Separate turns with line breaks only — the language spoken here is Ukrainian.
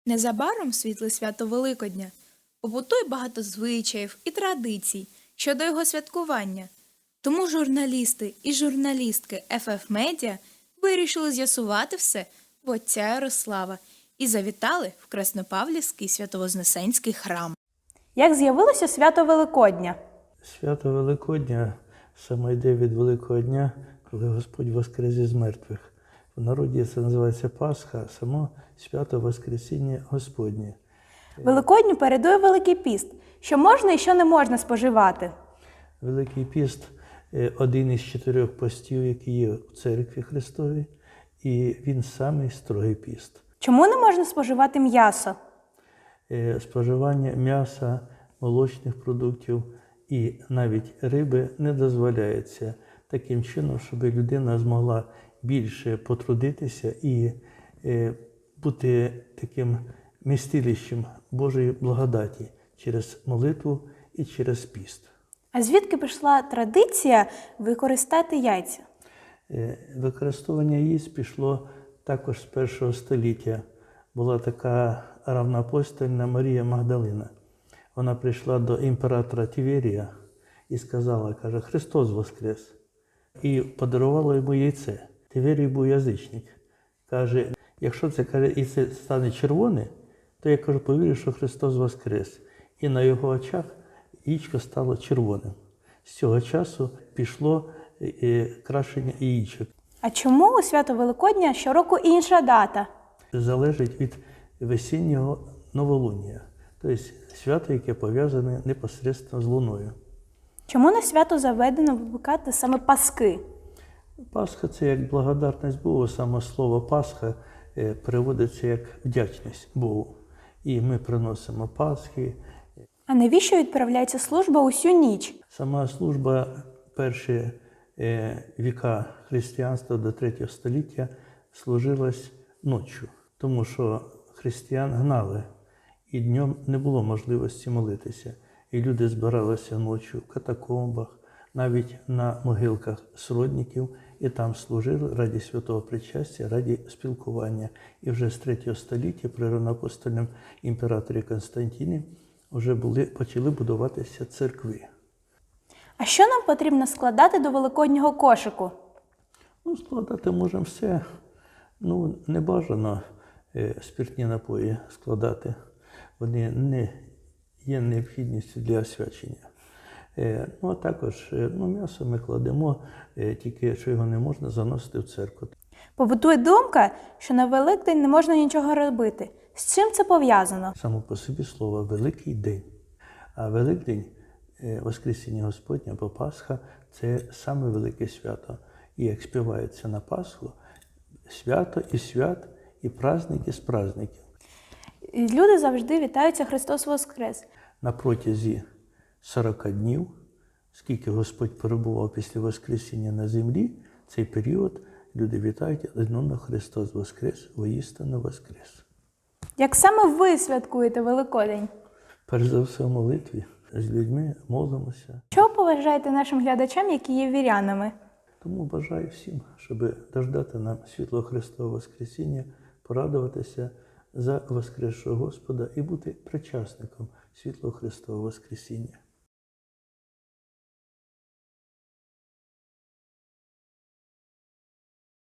Незабаром світле свято Великодня. Побутує багато звичаїв і традицій щодо його святкування. Тому журналісти і журналістки FF Media вирішили з'ясувати все в отця Ярослава і завітали в Краснопавлівський Свято-Вознесенський храм. Як з'явилося свято Великодня?
Свято Великодня саме йде від Великого дня, коли Господь воскрес із мертвих. В народі це називається Пасха, само свято Воскресіння Господнє.
Великодню передує Великий піст. Що можна і що не можна споживати?
Великий піст – один із 4 постів, які є в Церкві Христовій, і він самий строгий піст.
Чому не можна споживати м'ясо?
Споживання м'яса, молочних продуктів і навіть риби не дозволяється таким чином, щоб людина змогла більше потрудитися і бути таким містилищем Божої благодаті через молитву і через піст.
А звідки пішла традиція використати яйця?
Використовування яєць пішло також з 1 століття. Була така равноапостольна Марія Магдалина. Вона прийшла до імператора Тіверія і сказала, каже, Христос воскрес. І подарувала йому яйце. Тіверій був язичник. Каже, якщо це, каже, яйце стане червоне, то я, кажу, повірю, що Христос воскрес. І на його очах яєчко стало червоним. З цього часу пішло крашення яєчок.
А чому у свято Великодня щороку інша дата?
Залежить від весіннього новолуння, тобто свято, яке пов'язане непосередньо з луною.
Чому на свято заведено випікати саме паски?
Пасха – це як благодарність Богу, саме слово Пасха переводиться як вдячність Богу. І ми приносимо Пасхи.
А навіщо відправляється служба усю ніч?
Сама служба перші віка християнства до 3 століття служилась ночі, тому що християн гнали, і днем не було можливості молитися. І люди збиралися ночі в катакомбах, навіть на могилках сродників, і там служили раді святого причастя, раді спілкування. І вже з 3 століття при равноапостольному імператорі Константині вже почали будуватися церкви.
А що нам потрібно складати до великоднього кошику?
Складати можемо все. Не бажано спиртні напої складати. Вони не є необхідністю для освячення. А також м'ясо ми кладемо, тільки що його не можна заносити в церкву.
Побутує думка, що на Великдень не можна нічого робити. З чим це пов'язано?
Само по собі слово «Великий день». А Великдень, Воскресіння Господнє або Пасха – це саме велике свято. І як співається на Пасху, свято і свят, і праздник із праздників.
Люди завжди вітаються «Христос Воскрес».
На протязі 40 днів, скільки Господь перебував після Воскресіння на землі, цей період люди вітають одному Христос Воскрес, воістину Воскрес.
Як саме ви святкуєте Великодень?
Перш за все в молитві, з людьми молимося.
Що побажаєте нашим глядачам, які є вірянами?
Тому бажаю всім, щоб дождати нам світлого Христового Воскресіння, порадуватися за Воскресшого Господа і бути причасником світлого Христового Воскресіння.